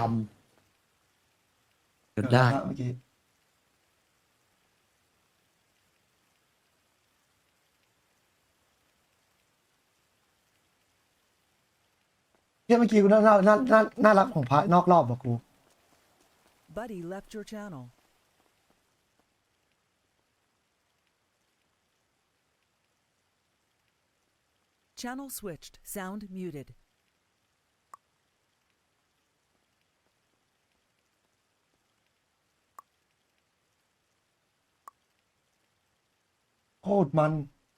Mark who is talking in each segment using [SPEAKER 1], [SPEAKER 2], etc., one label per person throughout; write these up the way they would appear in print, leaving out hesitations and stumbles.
[SPEAKER 1] หยุดได้
[SPEAKER 2] เมื่อกี้เมื่อกี้กูน่ารักของพระนอกรอบบอกกู
[SPEAKER 3] Buddy left your channel. Channel switched. Sound muted.
[SPEAKER 2] โคตรมัน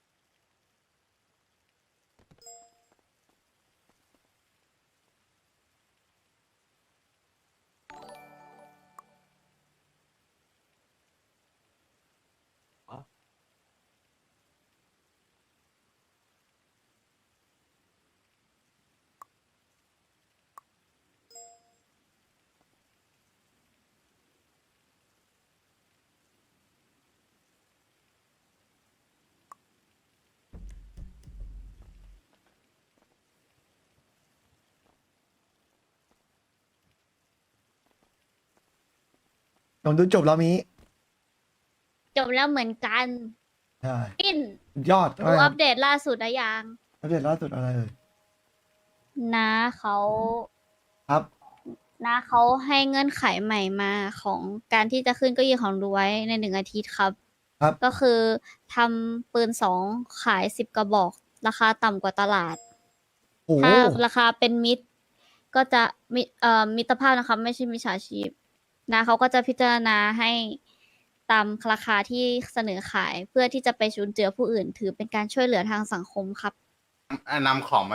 [SPEAKER 2] ผมดูจบแล้วมี
[SPEAKER 4] จบแล้วเหมือนกัน
[SPEAKER 2] ใช่
[SPEAKER 4] ปิ้น
[SPEAKER 2] สุดยอด
[SPEAKER 4] ดู
[SPEAKER 2] อะไรค
[SPEAKER 4] อั
[SPEAKER 2] รับ
[SPEAKER 4] ปเดตล่าสุดนะยัง
[SPEAKER 2] อัปเดตล่าสุดอะไรเอ่ย
[SPEAKER 4] นะเขา
[SPEAKER 2] ครับ
[SPEAKER 4] นะเขาให้เงื่อนไขใหม่มาของการที่จะขึ้นเก้าอี้ของรวยใน1 อาทิตย์ครับ
[SPEAKER 2] ครับ
[SPEAKER 4] ก็คือทำปืน2ขาย10 กระบอก ราคาต่ำกว่าตลาด
[SPEAKER 2] โอ้โห
[SPEAKER 4] ถ้าราคาเป็นมิตร ก็จะมิตรภาพนะครับ ไม่ใช่มิจฉาชีพนะเขาก็จะพิจารณาให้ตามราคาที่เสนอขายเพื่อที่จะไปชุนเจือผู้อื่น ถือเป็นการช่วยเหลือทางสังคมครับ
[SPEAKER 5] นำของ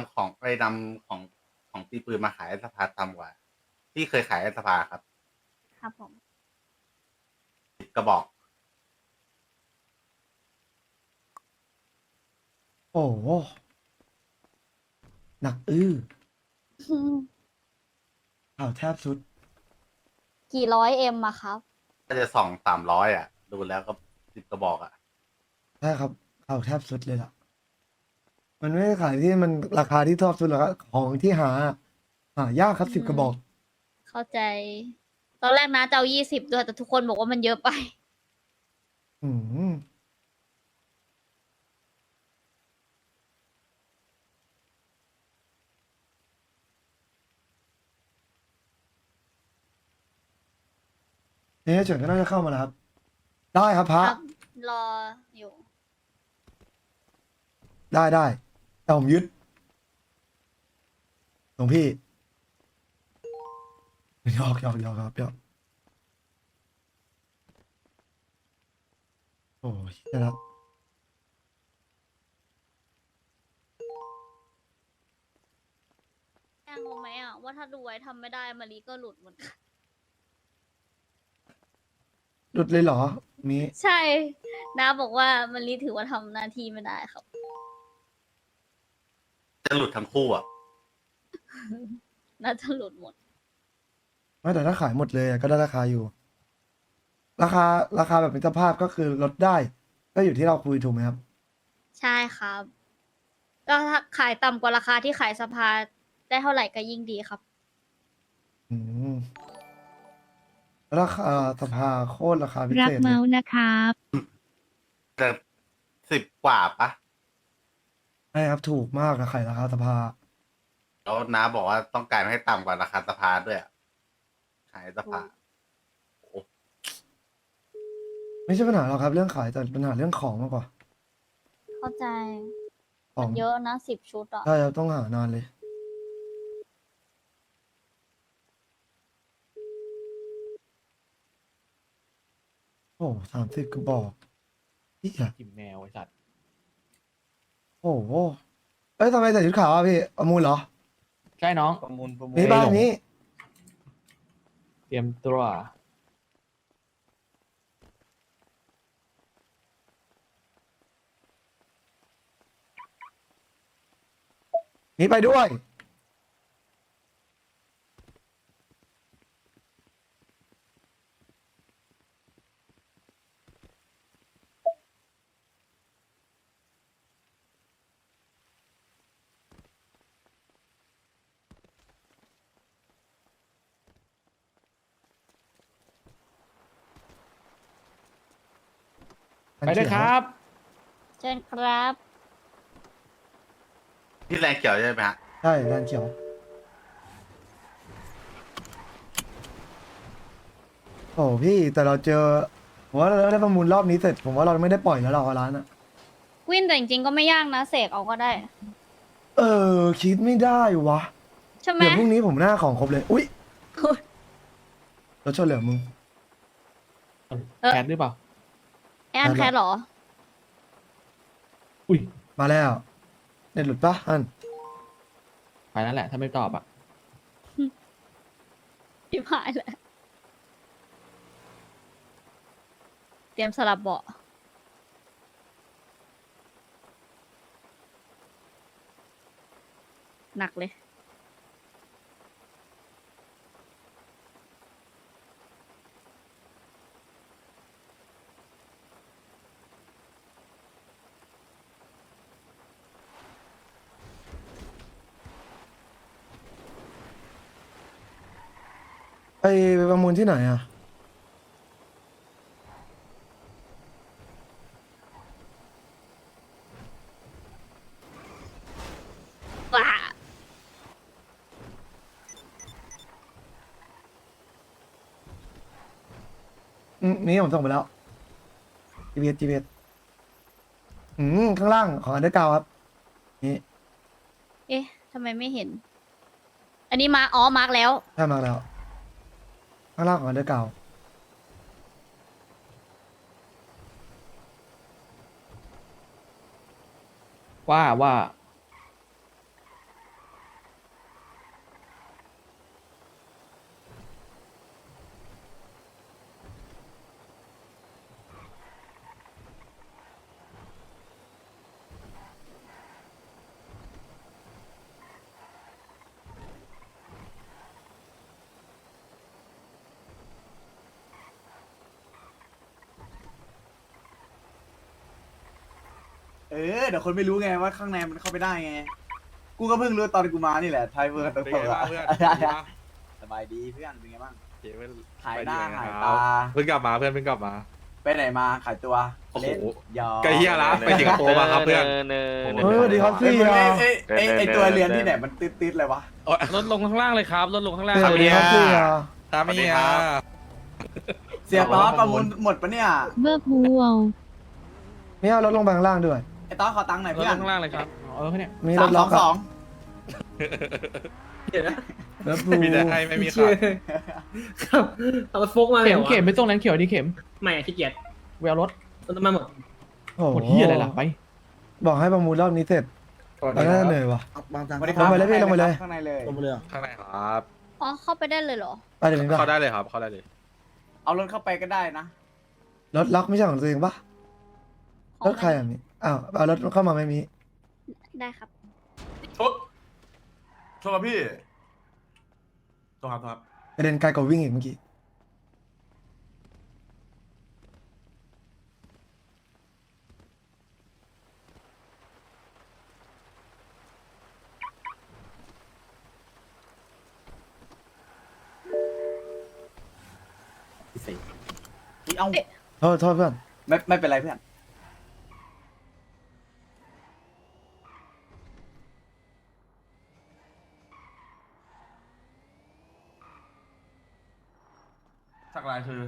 [SPEAKER 5] ของตีปืนมาขายให้สภาต่ำกว่า ที่เคยขายให้สภาครับ
[SPEAKER 4] ครับผม
[SPEAKER 5] 10 กระบอก
[SPEAKER 2] โอ้โหหนักข่าวแทบสุด
[SPEAKER 4] กี่ร้อยเอ็มอะครับ
[SPEAKER 5] ก็จะ200-300อ่ะ ดูแล้วก็10 กระบอกอ่ะ
[SPEAKER 2] ใช่ครับข่าวแทบสุดเลยล่ะ มันไม่ได้ขายที่มันราคาที่ชอบสุดหรอกครับของที่หายากครับ10 กระบอก
[SPEAKER 4] เข้าใจ ตอนแรกนะจะเอา20ด้วยแต่ทุกคนบอกว่ามันเยอะไป
[SPEAKER 2] อืมเนี่ยเฉินก็น่าจะเข้ามาแล้วครับ ได้ครับพระ
[SPEAKER 4] ครับ รออยู่
[SPEAKER 2] ได้แต่ผมยึดหลวงพี่หยอกครับหยอกโอ้ยนะครับ
[SPEAKER 4] แจ้งรู้ไหมอะว่าถ้าดูไว้ทำไม่ได้มารีก็หลุดเหมือนกัน
[SPEAKER 2] หลุดเลยเหรอ มี
[SPEAKER 4] ใช่น้าบอกว่ามารีถือว่าทำหน้าที่ไม่ได้ครับ
[SPEAKER 5] จะหลุดทั้งคู่อ่ะ
[SPEAKER 4] น่าจะหลุดหมด
[SPEAKER 2] ไม่แต่ถ้าขายหมดเลยอะก็ได้ราคาอยู่ ราคาแบบเป็นเจ้าภาพก็คือลดได้ ก็อยู่ที่เราคุยถูกไหมครับ
[SPEAKER 4] ใช่ครับ ก็ถ้าขายต่ำกว่าราคาที่ขายสภาได้เท่าไหร่ก็ยิ่งดีครับ
[SPEAKER 2] อืมราคาสภาโคตรราคาพิ
[SPEAKER 6] รั
[SPEAKER 2] เศ
[SPEAKER 6] ก
[SPEAKER 2] ษเล
[SPEAKER 6] เมาย ส์นะครับ
[SPEAKER 5] แต่10 กว่าปะ
[SPEAKER 2] ใช่ครับถูกมากนะขายราคาสภา
[SPEAKER 5] แล้วน้าบอกว่าต้องการให้ต่ำกว่าราคาสภาด้วยอะขายสภา
[SPEAKER 2] ไม่ใช่ปัญหาหรอกครับ เรื่องขายแต่ปัญหาเรื่องของมากกว่า
[SPEAKER 4] เข้าใจ
[SPEAKER 2] ขอ
[SPEAKER 4] มั
[SPEAKER 2] ง
[SPEAKER 4] นเยอะนะ10 ชุดอะ
[SPEAKER 2] ใช่ครับต้องหานานเลย โอ้30 กระบอกพี่อะ
[SPEAKER 1] กิมแมวไอ้สัตว์
[SPEAKER 2] โอ้โหเอ้ยทำไมใส่ชุดขาวอ่ะพี่ประมูลเหรอ
[SPEAKER 1] ใช่น้อง
[SPEAKER 2] นี่บ้านนี้
[SPEAKER 1] เตรียมตัว
[SPEAKER 2] นี่ไปด้วย
[SPEAKER 1] ไปเลยครับ
[SPEAKER 4] เชิญครับ
[SPEAKER 5] ที่แรงเขียวใช่ไหมฮะ
[SPEAKER 2] ใช่แลนเขียวโอ้พี่แต่เราเจอผมว่าเราได้ประมูลรอบนี้เสร็จผมว่าเราไม่ได้ปล่อยแล้วเราร้านอะ
[SPEAKER 4] วินแต่จริงๆก็ไม่ยากนะเสกเอาก็ได้
[SPEAKER 2] เออคิดไม่ได้วะ
[SPEAKER 4] ใช่ไหม
[SPEAKER 2] เดี๋ยวพรุ่งนี้ผมหน้าของครบเลยอุ้ยรถชนเหลือมึง
[SPEAKER 1] แคทหรือเปล่า
[SPEAKER 4] ไออันแคทเหรอ
[SPEAKER 1] อุ้ย
[SPEAKER 2] มาแล้วเน็ตหลุดปะอัน
[SPEAKER 1] ไปนั่นแหละ ถ้าไม่ตอบอ่ะ
[SPEAKER 4] ชิบหายแล้วเตรียมสลับเบาะหนักเลย
[SPEAKER 2] ไปประมูลที่ไหนอะ
[SPEAKER 4] ว้า
[SPEAKER 2] นี่ผมส่งไปแล้ว GPS ข้างล่างของอันเดอร์กราวครับนี่
[SPEAKER 4] เอ๊ะทำไมไม่เห็น อันนี้มาอ๋อมาร์กแล้ว
[SPEAKER 2] ได้มาแล้ว ข้างล่างของอันเดอร์กราว
[SPEAKER 1] ว่า
[SPEAKER 6] เดี๋ยวคนไม่รู้ไงว่าข้างในมันเข้าไปได้ไง กูก็เพิ่งรู้ตอนกูมานี่แหละไทยเวอร์ตัว
[SPEAKER 7] เป็น
[SPEAKER 6] เปิ
[SPEAKER 7] ไง
[SPEAKER 6] ด
[SPEAKER 7] บ้าง
[SPEAKER 6] อะ
[SPEAKER 7] เพื่อนเป็นไงบ้าง
[SPEAKER 6] สบายดีเพื่อนเป็นไงบ้าง
[SPEAKER 7] เฮ้ยเพื่อน
[SPEAKER 6] หายหน้า
[SPEAKER 7] ไป
[SPEAKER 6] หาย
[SPEAKER 7] ดี
[SPEAKER 6] ตา
[SPEAKER 7] เพิ่งกลับมาเพื่อนเพิ่งกลับมา
[SPEAKER 6] ไปไหนมาขายตัว
[SPEAKER 7] โอ้โห
[SPEAKER 6] เล่นยอ
[SPEAKER 7] ไกลเฮียละไปสิงคโปร์มาครับเพื่อน
[SPEAKER 2] เฮ้ยสวัสดีครับ
[SPEAKER 6] เอ้ย
[SPEAKER 2] พี่
[SPEAKER 6] มึง
[SPEAKER 2] อะ
[SPEAKER 6] ไอ้ตัวเรียนที่ไหนมันติดๆเลยวะ
[SPEAKER 8] รถลงข้างล่างเลยครับรถลงข้างล่าง
[SPEAKER 2] สวัสดีครับพี่อะ
[SPEAKER 7] ตามไม่เฮีย
[SPEAKER 6] เสียต้อประมูลหมดปะเนี่ย
[SPEAKER 9] เบิร์บูวล
[SPEAKER 2] มีเอารถลงไปข้างล่างด้วย
[SPEAKER 6] ไอ้ต้อขอตังค์หน่อย
[SPEAKER 8] รถ
[SPEAKER 6] เพื่
[SPEAKER 8] ล
[SPEAKER 6] อน
[SPEAKER 8] งข้างล่างเลยครับ
[SPEAKER 1] เนี่ย
[SPEAKER 2] มีร
[SPEAKER 6] สา
[SPEAKER 2] ถ
[SPEAKER 6] ม
[SPEAKER 2] ล็
[SPEAKER 6] ส
[SPEAKER 2] อ
[SPEAKER 6] อก ง
[SPEAKER 2] อะ
[SPEAKER 6] สอง
[SPEAKER 2] รถปู
[SPEAKER 7] มีแต่ให้ไม่มีขาด
[SPEAKER 10] ครับเอาโฟกมาเลย
[SPEAKER 1] เข็มไปตรงนั้นเขียวดีเข็ม
[SPEAKER 10] ไม่ขี้เกียจ
[SPEAKER 1] แววรถ
[SPEAKER 10] มันมาหมด
[SPEAKER 2] โอ้
[SPEAKER 1] หมดที่อะไรล่ะไป
[SPEAKER 2] บอกให้ประมูลรอบนี้เสร็จแล้วน่าเหนื่อยวะ
[SPEAKER 6] สวัสดี
[SPEAKER 2] ลงไปเลยพี่ลงไปเลย
[SPEAKER 6] ข้างในเลย
[SPEAKER 7] ข้างในครับ
[SPEAKER 4] อ๋อ เข้าไปได้เลยเหรอ
[SPEAKER 2] ไปเดี๋ยวนี้
[SPEAKER 7] เข้า
[SPEAKER 2] ปะ
[SPEAKER 7] ได้เลยครับเข้าได้เลย
[SPEAKER 6] เอารถเข้าไปก็ได้นะ
[SPEAKER 2] รถล็อกไม่ใช่ของตัวเองปะ
[SPEAKER 4] ของ
[SPEAKER 2] รถใครอ่ะนี่อ้าวเอารถเข้ามาไม่มี
[SPEAKER 4] ได้ครับ
[SPEAKER 7] ชดครับพี่โทษครับ
[SPEAKER 2] กระเด็นไกลกว่าวิ่งอีกเมื่อกี้
[SPEAKER 6] เอา
[SPEAKER 2] โทษเพื่อน
[SPEAKER 6] ไม่เป็นไรเพื่อน
[SPEAKER 7] สักลายคือ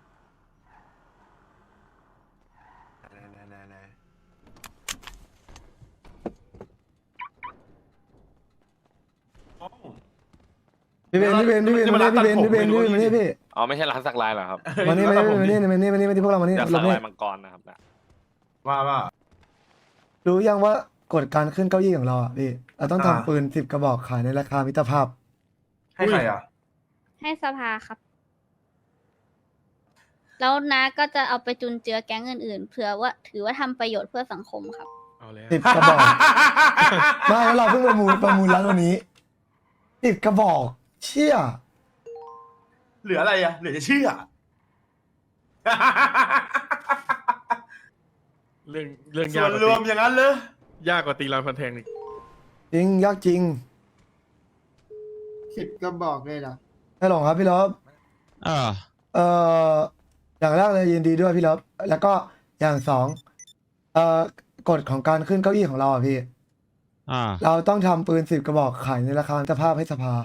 [SPEAKER 7] อ๋อ
[SPEAKER 2] พี่เบนพี่เบนพี่เบน
[SPEAKER 7] นี่
[SPEAKER 2] มา
[SPEAKER 7] มัน
[SPEAKER 2] นี่พี่เบน
[SPEAKER 7] ร้านตัดผม
[SPEAKER 2] พี่เบน
[SPEAKER 7] ไม่รู้
[SPEAKER 2] มานี่พี่
[SPEAKER 8] อ๋อไม่ใช่ร้านสักลายเหรอครับ
[SPEAKER 2] มานี่มา
[SPEAKER 7] ร้านตัดผม
[SPEAKER 2] นี่มานี่มานี่มานี่พวกเรามานี่
[SPEAKER 8] อยาก
[SPEAKER 2] เรา
[SPEAKER 8] สัก
[SPEAKER 2] ไม่
[SPEAKER 8] ลายมังกรนะครับนะ
[SPEAKER 7] ว่า
[SPEAKER 2] รู้ยังว่ากฎการขึ้นเก้าอี้ของเราอ่ะพี่เราต้อง
[SPEAKER 7] อ่า
[SPEAKER 2] ทำปืน10 กระบอกขายในราคามิตรภาพ
[SPEAKER 7] ให้ใครอ่ะ
[SPEAKER 4] ให้สภาครับ แล้วน้าก็จะเอาไปจุนเจือแก๊งอื่นๆ เผื่อว่าถือว่าทำประโยชน์เพื่อสังคมครับ
[SPEAKER 8] เอาแล้ว
[SPEAKER 2] 10 กระบอก ไม่แล้วเราเพิ่งประมูลร้านวันนี้10 กระบอก เชี่ย
[SPEAKER 7] เหลืออะไรอ่ะเหลือจะเชื่อ
[SPEAKER 8] เรื่อง
[SPEAKER 7] ส่
[SPEAKER 8] ยาก
[SPEAKER 7] วน
[SPEAKER 8] กว่าร
[SPEAKER 7] วมอย่างนั้นเลย
[SPEAKER 8] ยากกว่าตีรอนพันแทงอีก
[SPEAKER 2] จริงยากจริง
[SPEAKER 6] 10 กระบอกเลยเหรอ
[SPEAKER 2] ให้ลองครับพี่เลิฟอย่างแรกเลยยินดีด้วยพี่เลิฟแล้วก็อย่างสองกฎของการขึ้นเก้าอี้ของเราอ่ะพี่
[SPEAKER 9] อ่า
[SPEAKER 2] เราต้องทำปืน10 กระบอกขายในราคามิตรภาพให้สภา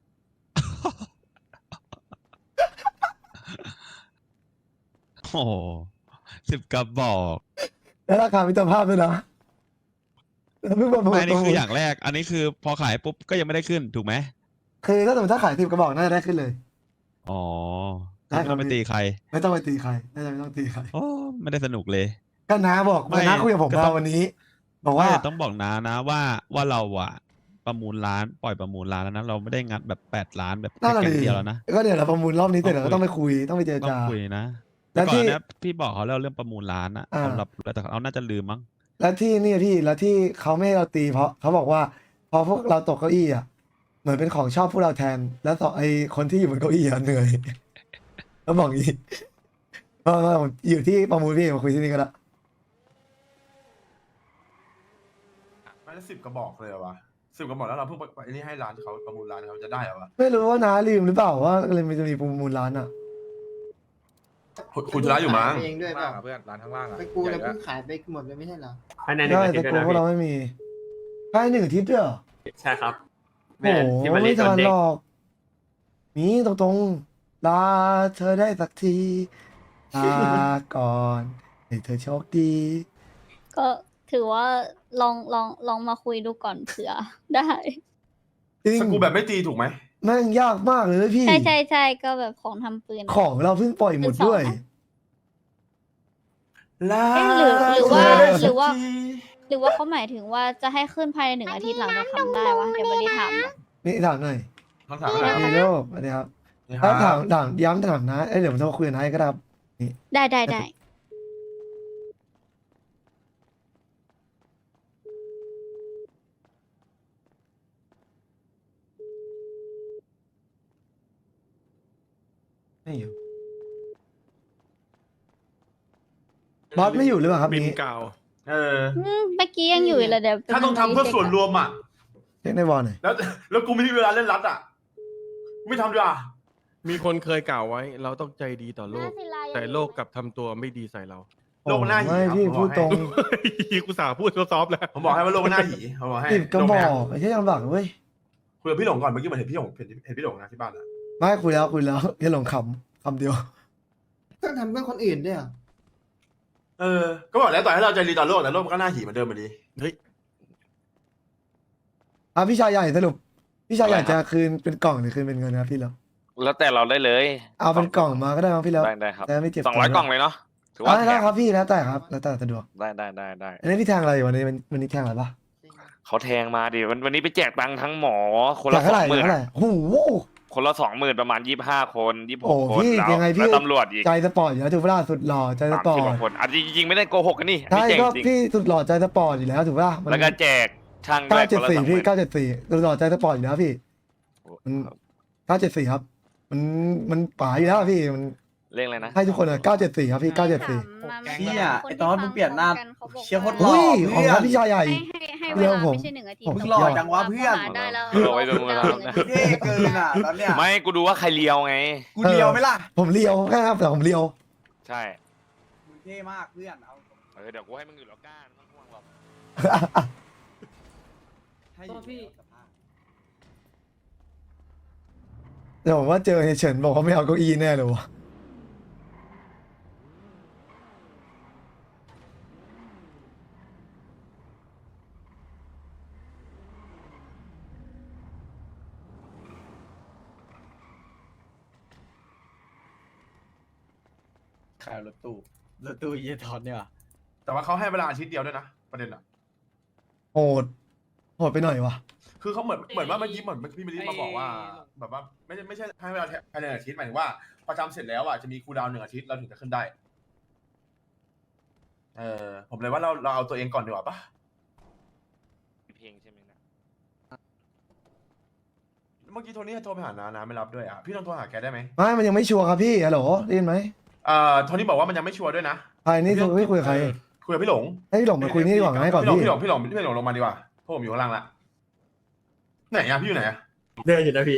[SPEAKER 9] โอ้โห10 กระบอก
[SPEAKER 2] และราคามิตรภาพด้วยนะแล้วเพิ่งประมูล
[SPEAKER 9] ไม่อันนี้คืออย่างแรก อันนี้คือพอขายปุ๊บก็ยังไม่ได้ขึ้นถูกไหม
[SPEAKER 2] คือถ้าสมมติถ้าขาย10 กระบอกน่าจะได้ขึ้นเลย
[SPEAKER 9] อ๋อ
[SPEAKER 2] ได้
[SPEAKER 9] ไม่ต้องไปตีใคร
[SPEAKER 2] ไม่ต้องไปตีใครน่าจะไม่ต้องตีใคร
[SPEAKER 9] โอ้ไม่ได้สนุกเลย
[SPEAKER 2] ก็น้าบอก
[SPEAKER 9] ไม่
[SPEAKER 2] น้าคุยกับผม
[SPEAKER 9] ก็ต้
[SPEAKER 2] มา
[SPEAKER 9] อง
[SPEAKER 2] วันนี้ บอกว่า
[SPEAKER 9] ไม่ต้องบอกนะว่าเราอะประมูลร้านปล่อยประมูลร้านแล้วนะเราไม่ได้งัดแบบ8 ล้านแบบ
[SPEAKER 2] น่า
[SPEAKER 9] แค่
[SPEAKER 2] จะ
[SPEAKER 9] แก๊ง
[SPEAKER 2] ดี
[SPEAKER 9] เดียวแล้วนะ
[SPEAKER 2] ก็เดี๋ยวเราประมูลรอบนี้เสร็จ
[SPEAKER 9] ต้
[SPEAKER 2] เรา
[SPEAKER 9] องคุย
[SPEAKER 2] ก็ต้องไปคุยต้องไปเจร
[SPEAKER 9] ต้อง
[SPEAKER 2] จา
[SPEAKER 9] คุยนะ
[SPEAKER 2] แล้
[SPEAKER 9] แต่
[SPEAKER 2] ว
[SPEAKER 9] ก่อ
[SPEAKER 2] ที่
[SPEAKER 9] นเนี้ยพี่บอกเขาแล้วเรื่องประมูลร้านอะ
[SPEAKER 2] อ่า
[SPEAKER 9] สำหรับแต่เขาน่าจะลืมมั้ง
[SPEAKER 2] แล้วที่นี่พี่แล้วที่เขาไม่ให้เราตีเพราะเขาบอกว่าพอพวกเราตกเก้าอี้อ่ะเหมือนเป็นของชอบพวกเราแทน แล้วต่อไอคนที่อยู่บนเก้าอี้อ่ะเหนื่อย แล้วบอกอย่างงี้มาผมอยู่ที่ประมูลพี่มาคุยที่นี่ก็ได้
[SPEAKER 7] ไม่ได้10 กระบอกเลยเหรอวะ10 กระบอกแล้วเราเพิ่งไปไอ้นี่ให้ร้านเขาประมูลร้านเขาจะได้เหรอวะ
[SPEAKER 2] ไม่รู้ว่าน้าลืมหรือเปล่าว่าเลยมันจะมีประมูลร้านอ่ะ
[SPEAKER 7] คุณชนะอยู่มั้ง
[SPEAKER 11] เองด้วยเปล่า
[SPEAKER 8] เพื่อนร้านข้างล่างอะ
[SPEAKER 11] ไปกูแล้วกูขายไปหมดเลยไม่ใช่เหรอ
[SPEAKER 10] ภายในหนึ่ง
[SPEAKER 2] ได้
[SPEAKER 10] อาทิต
[SPEAKER 2] แต่
[SPEAKER 10] ย์ด้วย
[SPEAKER 2] กู
[SPEAKER 10] นะ
[SPEAKER 2] พวกเรา
[SPEAKER 10] พี่
[SPEAKER 2] ไม่มีภายใน1 อาทิตย์ด้วยเหรอ
[SPEAKER 10] ใช่ครับ
[SPEAKER 2] โอ้โห
[SPEAKER 10] ที่มารี
[SPEAKER 2] ไม่
[SPEAKER 10] โด
[SPEAKER 2] ทั
[SPEAKER 10] น
[SPEAKER 2] น
[SPEAKER 10] เด็
[SPEAKER 2] ห
[SPEAKER 10] ก
[SPEAKER 2] รอกมีตรงๆลาเธอได้สักทีลาก่อนให้เธอโชคดี
[SPEAKER 4] ก็ถือว่าลองมาคุยดูก่อนเผื่อ ได้
[SPEAKER 2] จริง
[SPEAKER 7] สกูแบบไม่ตีถูกไหม
[SPEAKER 2] แม่งยากมากเลยพี่
[SPEAKER 4] ใช่ก็แบบของทำปืน
[SPEAKER 2] ของเราเพิ่งปล่อยหมดด้วย
[SPEAKER 7] ลา
[SPEAKER 4] เอ๊ะหรือว่า
[SPEAKER 7] เธอได้
[SPEAKER 4] หรือว่า
[SPEAKER 7] สักที
[SPEAKER 4] หรือว่าเขาหมายถึงว่าจะให้ขึ้นภายใน1 อาทิตย์หลังจากทำได้วะเดี๋ยววันนี้ถามนะ
[SPEAKER 2] นี่ถามหน่อย
[SPEAKER 7] คำถามอะไร
[SPEAKER 2] มี
[SPEAKER 7] ครับ
[SPEAKER 2] โลกสวัสดีครับ
[SPEAKER 7] นี่ค
[SPEAKER 2] ถ้า
[SPEAKER 7] รับ
[SPEAKER 2] ถามย้ำถามนะเดี๋ยวผมจะมาคุยกับนายก็ได้ครับ
[SPEAKER 4] ได้
[SPEAKER 2] ไม่อยู่บอสไม่อยู่หรือเปล่าครับ
[SPEAKER 8] บิน
[SPEAKER 2] นี้
[SPEAKER 8] กล่าว
[SPEAKER 7] เออ
[SPEAKER 4] เมื่อกี้ยังอยู่เลยเดี๋ยว
[SPEAKER 7] ถ้าต้องทำเพื่อส่วนรวมอ่ะ
[SPEAKER 2] เช็คในวอลหน่อย
[SPEAKER 7] แล้วกูไม่มีเวลาเล่นรัดอ่ะ ไม่ทำดีกว่า
[SPEAKER 8] มีคนเคยกล่าวไว้ เราต้องใจดีต่อโลก แต่โลกกลับทำตัวไม่ดีใส่เรา
[SPEAKER 7] โลกมันน่าหิว
[SPEAKER 2] ไม่
[SPEAKER 7] ครับ
[SPEAKER 2] พี่
[SPEAKER 7] ผมบอก
[SPEAKER 2] พูดตรง
[SPEAKER 7] ให้
[SPEAKER 8] กูสาพูดซอฟต์ๆแล้ว
[SPEAKER 7] ผมบอกให้ว่าโลกมันน่าหีผมบอกให้
[SPEAKER 2] ติดกระบ
[SPEAKER 7] โล
[SPEAKER 2] อ
[SPEAKER 7] น่า
[SPEAKER 2] กไม่ใช่ลำบากเว้ย
[SPEAKER 7] คุยกับพี่หลงก่อนเมื่อกี้เหมือนเห็นพี่หลงเห็นพี่หลงนะที่บ้านอ่ะ
[SPEAKER 2] ไม่คุยแล้วแค่หลงคำเดียว
[SPEAKER 11] ต้องทำเพื่อคนอื่นด้วยเหรอ
[SPEAKER 7] เออ ก็บอกแล้วต่อให้เราใจดีต่อโลกแต่โลกมันก็น่าหีเหมือนเดิมอยู่ดี
[SPEAKER 8] เฮ้ย
[SPEAKER 2] พี่ชายใหญ่สรุปพี่ชายใหญ่จะคืนเป็นกล่องหรือคืนเป็นเงินครับพี่แล้ว
[SPEAKER 12] แล้วแต่เราได้เลย
[SPEAKER 2] เอาเป็นกล่องมาก็ได้ครับพี่แล้ว
[SPEAKER 12] ได้ครับ
[SPEAKER 2] แต่ไม่เจ็บ
[SPEAKER 12] 200 กล่องเลยเนาะถือว่า
[SPEAKER 2] ได้
[SPEAKER 12] แถม
[SPEAKER 2] ครับพี่แล้วแต่ครับแล้วแต่สะดวก
[SPEAKER 12] ได้
[SPEAKER 2] อันนี้พี่แทงอะไรอยู่วันนี้แทงอะไรปะ
[SPEAKER 12] เขาแทงมาดิวันนี้ไปแจกตังค์ทั้งหมอ คน
[SPEAKER 2] แท
[SPEAKER 12] ละ
[SPEAKER 2] งเท่าไหร่
[SPEAKER 12] 20,000
[SPEAKER 2] เท่าไหร่โอ้โห
[SPEAKER 12] คนละ20,000ประมาณ25 คน
[SPEAKER 2] โอ้
[SPEAKER 12] 26 คน
[SPEAKER 2] พี่
[SPEAKER 12] แล้ว
[SPEAKER 2] ยังไงพี่
[SPEAKER 12] แล้วตำรวจอีก
[SPEAKER 2] ใจสปอร์ตอยู่แล้วถูกปะล่ะสุดหล่อใจสปอร์
[SPEAKER 12] 30
[SPEAKER 2] ต
[SPEAKER 12] กว่าคนอ่ะจริงๆไม่ได้โกหกกันนี่
[SPEAKER 2] ใช่
[SPEAKER 12] นี่แจก
[SPEAKER 2] ก็
[SPEAKER 12] จริง
[SPEAKER 2] พี่สุดหล่อใจสปอร์ตอยู่แล้วถูกปะล่ะมัน
[SPEAKER 12] แล้วก็แจกช่างด้วยคนละ
[SPEAKER 2] 974พี่
[SPEAKER 12] 20,000
[SPEAKER 2] 974สุดหล่อใจสปอร์ตอยู่แล้วพี่ มัน 974ครับ มันป๋าอยู่แล้วพี่มัน
[SPEAKER 12] เร่งเลยนะ
[SPEAKER 2] ให้ทุกคนอะ974ครับพี่974
[SPEAKER 6] เชี่ยไอ้ตอนมึงเปลี่ยนหน้าเชี่ยโคตรหล่
[SPEAKER 2] อุ้
[SPEAKER 6] อย
[SPEAKER 2] ของ
[SPEAKER 6] เพื่อ
[SPEAKER 2] ครับ
[SPEAKER 6] น
[SPEAKER 2] พี่ชายใหญ่
[SPEAKER 4] ให้
[SPEAKER 2] เดี๋
[SPEAKER 4] เว
[SPEAKER 2] ยว
[SPEAKER 4] ลา
[SPEAKER 2] ผม
[SPEAKER 4] ไม่ใช่1 อาทิตย์
[SPEAKER 2] ผม
[SPEAKER 6] มึงหล่อจังวะเพื่อน
[SPEAKER 4] ได้แล้ว
[SPEAKER 12] เอาไว้ดูมือเรานะ
[SPEAKER 6] เท่เกินอ่ะตอนเนี้ย
[SPEAKER 12] ไม่กูดูว่าใครเลียวไง
[SPEAKER 6] กูเดียวไหมล่ะ
[SPEAKER 2] ผมเลียวแค่ครับแต่ผมเลียว
[SPEAKER 12] ใช่
[SPEAKER 6] มึงเท่มากเพื่อนเอา
[SPEAKER 12] เดี๋ยวกูให้มึงอยู่แล้วก้าไม่ต้องห่วงหรอก
[SPEAKER 6] ให้อยู่ในสภาพ
[SPEAKER 2] เดี๋ยวผมว่าเจอเฮยเฉินบอกเขาไม่เอาเก้าอี้แน่เลยวะ
[SPEAKER 6] ขายรถตู้เยทอนเนี่ยว่ะ
[SPEAKER 7] แต่ว่าเขาให้เวลาอาทิตย์เดียวด้วยนะประเด็นอ่ะ
[SPEAKER 2] โหดไปหน่อยวะ
[SPEAKER 7] คือเขาเหมือนว่าเมื่อกี้เหมือนพี่มิลลิมาบอกว่า แบบว่าไม่ใช่ให้เวลาภายในอาทิตย์หมายถึงว่าพอจำเสร็จแล้วอ่ะจะมีคูลดาวน์1 อาทิตย์เราถึงจะขึ้นได้ ผมเลยว่าเราเอาตัวเองก่อนดีกว่าปะ
[SPEAKER 12] เพลงใช่ไหมนะ
[SPEAKER 7] เมื่อกี้โทนี่โทรไปหานาไม่รับด้วยอ่ะพี่ลองโทรหาแกได้ไหม
[SPEAKER 2] ไม่มันยังไม่ชัวร์ครับพี่ฮัลโหลได้ยินไหม
[SPEAKER 7] โทนี่บอกว่ามันยังไม่ชัวร์ด้วยนะ
[SPEAKER 2] ใครนี่ไม่คุยกับใคร
[SPEAKER 7] คุยกับพี่หลง
[SPEAKER 2] ให้พี่หลงมาคุยนี่ดีกว่าง่ายกว่าพี่
[SPEAKER 7] พี่หลงลงมาดีกว่าเพราะผมอยู่ข้างล่างละไหนอ่ะพี่อยู่ไหนอ่ะ
[SPEAKER 10] เดินอยู่นะพี่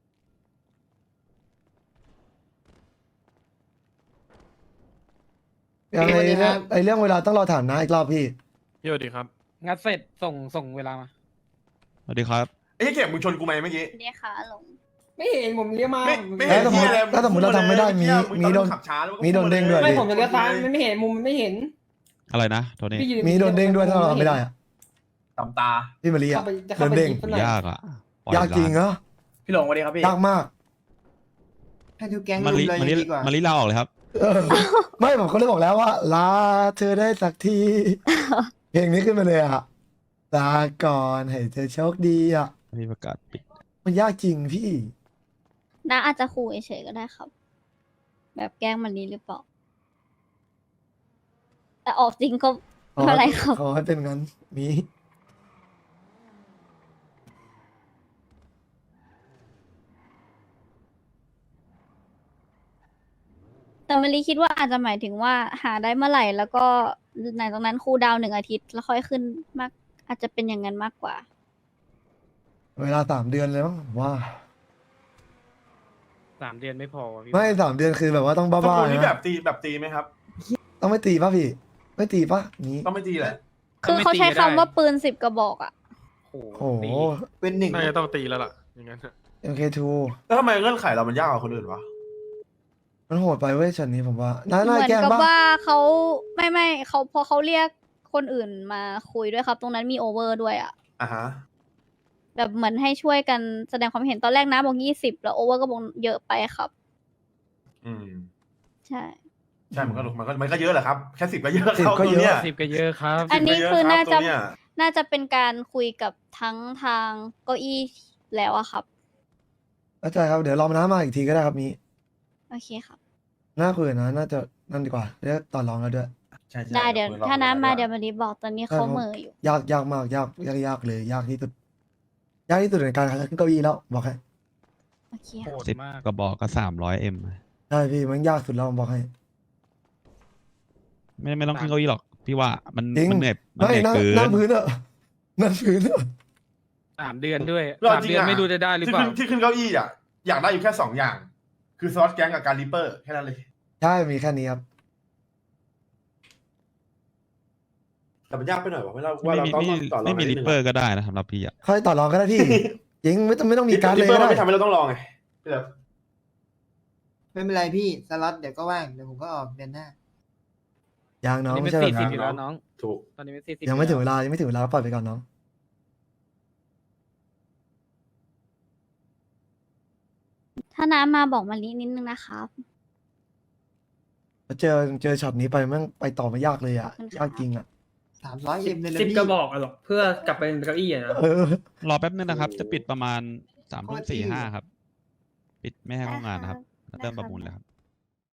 [SPEAKER 2] พยังไงเนี่ยไอเรื่องเวลาต้องรอถามนะอีกรอบพี่
[SPEAKER 8] พี่สวัสดีครับ
[SPEAKER 10] งัดเสร็จส่งเวลามา
[SPEAKER 9] สวัสดีครับ
[SPEAKER 7] ไอ้เก็บมึงชนกูไหมเมื่อกี้
[SPEAKER 4] เนี่ยค่ะหลง
[SPEAKER 10] ไม่เห็นผมเลี้ยวมา
[SPEAKER 7] ไม่เห็นที่อะไร
[SPEAKER 2] ถ้าสมมติเราทำไม่ได้มีโดน
[SPEAKER 7] ขับช้าแล้ว
[SPEAKER 2] มีโดนเด้งด้วย
[SPEAKER 10] ไม่ผมจะเลี้ยวซ้ายมันไม่เห็นมุมมันไม่เห็น
[SPEAKER 9] อะไรนะโทนี่
[SPEAKER 10] พี่ยืน
[SPEAKER 2] มีโดนเด้งด้วยถ้าเราทำไม่ได้อะ
[SPEAKER 7] ตำตา
[SPEAKER 2] พี่มารี
[SPEAKER 10] เข้า
[SPEAKER 2] อะ
[SPEAKER 10] ไปจะ
[SPEAKER 2] โด
[SPEAKER 10] เข้าน ไป
[SPEAKER 2] เด้ง
[SPEAKER 10] หยิบซะหน่อย
[SPEAKER 9] ยากอ่ะปล่อย
[SPEAKER 2] ยากจริง
[SPEAKER 9] ร้น
[SPEAKER 2] เหรอ
[SPEAKER 6] พี่หลงสวัสดีครับพี่
[SPEAKER 2] ยากมาก
[SPEAKER 11] ให้ทุกแก๊ง
[SPEAKER 9] มา
[SPEAKER 11] รุ
[SPEAKER 9] ลิ
[SPEAKER 11] มเลย
[SPEAKER 9] มาลิ
[SPEAKER 11] ดีกว่า
[SPEAKER 9] มาลิลาออกเลยครับ
[SPEAKER 2] เออไม่ผมก็เลยบอกแล้วว่าลาเธอได้สักที เพลงนี้ขึ้นมาเลยอะลาก่อนให้เธอโชคดีอะ
[SPEAKER 9] พี่ประกาศปิด
[SPEAKER 2] มันยากจริงพี่
[SPEAKER 4] น้าอาจจะขู่เฉยๆก็ได้ครับ แบบแกล้งมันนี้หรือเปล่า แต่ออกจริงก็ไม่เป็นไรครับ
[SPEAKER 2] ขอให้เป็นงั้นมี
[SPEAKER 4] แต่มารีคิดว่าอาจจะหมายถึงว่าหาได้เมื่อไหร่ แล้วก็ในตรงนั้นครูลดาวน์1 อาทิตย์แล้วค่อยขึ้นมาก อาจจะเป็นอย่างนั้นมากกว่า
[SPEAKER 2] เวลา3 เดือนเลยมั้งผมว่า
[SPEAKER 10] 3 เดือนไม่พอพี่
[SPEAKER 2] ไม่3 เดือนคือแบบว่าต้อง
[SPEAKER 7] ส
[SPEAKER 2] บ้า
[SPEAKER 7] กุล
[SPEAKER 2] ๆ
[SPEAKER 7] นี่
[SPEAKER 2] นะ
[SPEAKER 7] แบบตีไหมครับ
[SPEAKER 2] ต้องไม่ตีป่ะพี่ ไม่ตีป่ะนี้
[SPEAKER 7] ต้องไม่ตีแหละ
[SPEAKER 4] คือเขาใช้คำว่าปืน10 กระบอกอะ
[SPEAKER 2] โอ้โห
[SPEAKER 11] เป็นหนึ่ง
[SPEAKER 8] น่าจะต้องตีแล้วล่ะ อย่างนั้น
[SPEAKER 2] MK2
[SPEAKER 7] แล้วทำไมเงื่อนไขเรามันยากกว่าคนอื่นวะ
[SPEAKER 2] มันโหดไปเว้ยช็อตนี้ผมว่าน่า
[SPEAKER 4] เหมือน
[SPEAKER 2] แกล้ง
[SPEAKER 4] กับ
[SPEAKER 2] ป่ะ
[SPEAKER 4] ว่าเขาไม่เขาพอเขาเรียกคนอื่นมาคุยด้วยครับ ตรงนั้นมีโอเวอร์ด้วยอะ
[SPEAKER 7] อ่ะฮะ
[SPEAKER 4] แบบเหมือนให้ช่วยกันแสดงความเห็นตอนแรกนะบอก20แล้วโอเวอร์ก็บอกเยอะไปครับ
[SPEAKER 7] อืม
[SPEAKER 4] ใช่
[SPEAKER 7] ใช่มันก็เยอะแหละครับ แค่10ก็เยอะ
[SPEAKER 2] 10
[SPEAKER 7] เข้า
[SPEAKER 2] ก็
[SPEAKER 7] ตัว
[SPEAKER 2] เยอะ
[SPEAKER 7] เนี้ย
[SPEAKER 10] 10ก็เยอะครับ
[SPEAKER 4] อันนี้คือ
[SPEAKER 7] 10
[SPEAKER 4] น่า
[SPEAKER 7] ก็
[SPEAKER 4] จะ
[SPEAKER 7] เยอะครับตัวเนี้ย
[SPEAKER 4] น่าจะเป็นการคุยกับทั้งทางเก้าอี้แล้วอะครับ
[SPEAKER 2] เข้าใจครับเดี๋ยวรอน้ามาอีกทีก็ได้ครับมี
[SPEAKER 4] โอเคครับ
[SPEAKER 2] น่าคุยนะน่าจะนั่นดีกว่าเรียกต่อรองแล้วด้วย
[SPEAKER 7] ใช่ๆ
[SPEAKER 4] ได้เดี๋ยว
[SPEAKER 7] คุยรอบ
[SPEAKER 4] ถ้าน้ำมา
[SPEAKER 7] ก่อ
[SPEAKER 4] เดี๋ยวมารีบอกตอนนี้เขาเหม่ออยู่
[SPEAKER 2] ยากมากยากเลยยากที่สุดยากที่สุดในการขึ้นเก้าอี้แล้วบอกให้
[SPEAKER 4] โอเคครับ
[SPEAKER 10] โหด
[SPEAKER 9] 10
[SPEAKER 10] มาก
[SPEAKER 9] กระบอกก็300M
[SPEAKER 2] ใช่พี่มันยากสุดแล้วบอกให้
[SPEAKER 9] ไม่ต้องขึ้นเก้าอี้หรอก พี่ว่ามัน
[SPEAKER 2] จริง
[SPEAKER 9] มันเหน็บมัน
[SPEAKER 2] ไม่
[SPEAKER 9] เหน็บ
[SPEAKER 2] นั่ง
[SPEAKER 9] เกิ
[SPEAKER 2] นั่ง
[SPEAKER 9] น
[SPEAKER 2] พื้นอะนั่งพื้นอะ
[SPEAKER 10] 3 เดือนด้วย
[SPEAKER 7] รอบ
[SPEAKER 10] 3
[SPEAKER 7] จริง
[SPEAKER 10] เดือน
[SPEAKER 7] อะ
[SPEAKER 10] ไม่รู้จะได้หรือเปล่า
[SPEAKER 7] ที่ขึ้นเก้าอี้อ่ะอยากได้อยู่แค่2 อย่าง คือสล็อตแก๊งกับการริปเปอร์แค่นั้นเลย
[SPEAKER 2] ใช่มีแค่นี้ครับ
[SPEAKER 7] แต่มันยากไปหน่อยวะว่าเรา
[SPEAKER 9] ไม่
[SPEAKER 7] ต้อง
[SPEAKER 9] มี
[SPEAKER 7] ต่อรอง
[SPEAKER 9] ไม่มีริปเปอร์ก็ได้นะสำหรับพี่อ่ะ
[SPEAKER 2] ค่อยต่อรองก็ได้พี่ จริงไม่ต้องมีการ
[SPEAKER 7] ริ
[SPEAKER 2] เล
[SPEAKER 7] ป
[SPEAKER 2] ย
[SPEAKER 7] เปอ
[SPEAKER 2] ก็
[SPEAKER 7] ร์มัน
[SPEAKER 2] ได้
[SPEAKER 7] ไม่ทำให้เราต้องรองไงพี่เลิฟ
[SPEAKER 11] ไม่เป็นไรพี่สล็อตเดี๋ยวก็ว่างเดี๋ยวผมก็ออกเดือนหน้า
[SPEAKER 2] ยังน้อง
[SPEAKER 10] นี่
[SPEAKER 2] ไม่
[SPEAKER 10] เป็น
[SPEAKER 2] ใช่แบบ
[SPEAKER 10] 40
[SPEAKER 2] นั้น
[SPEAKER 10] อยู่แล้วน้อง
[SPEAKER 7] ถูก
[SPEAKER 10] ตอนนี้เป็น40
[SPEAKER 2] ยังไม่ถึงเว
[SPEAKER 10] แล้ว
[SPEAKER 2] ลายังไม่ถึงเวลาปล่อยไปก่อนน้อง
[SPEAKER 4] ถ้าน้ำมาบอกมารีนิดนึงนะครับ
[SPEAKER 2] เจอช็อตนี้ไปแม่งไปต่อไม่ยากเลยอ่ะ
[SPEAKER 4] ขอบคุณค่ะ
[SPEAKER 2] ยากจริงอ่ะ
[SPEAKER 11] 300M เลยนะ
[SPEAKER 10] 10
[SPEAKER 11] พี่
[SPEAKER 10] กระบอกอะหรอกเพื่อกลับไปเป็นเก้าอี้อะนะ
[SPEAKER 2] เออ
[SPEAKER 9] รอแป๊บนึงนะครับ จะปิดประมาณ
[SPEAKER 11] โคตร
[SPEAKER 9] 3:45
[SPEAKER 11] ดี
[SPEAKER 9] ครับ ปิดไม่ให้เข้างานนะครับ เริ่มประมูลแล้วครับ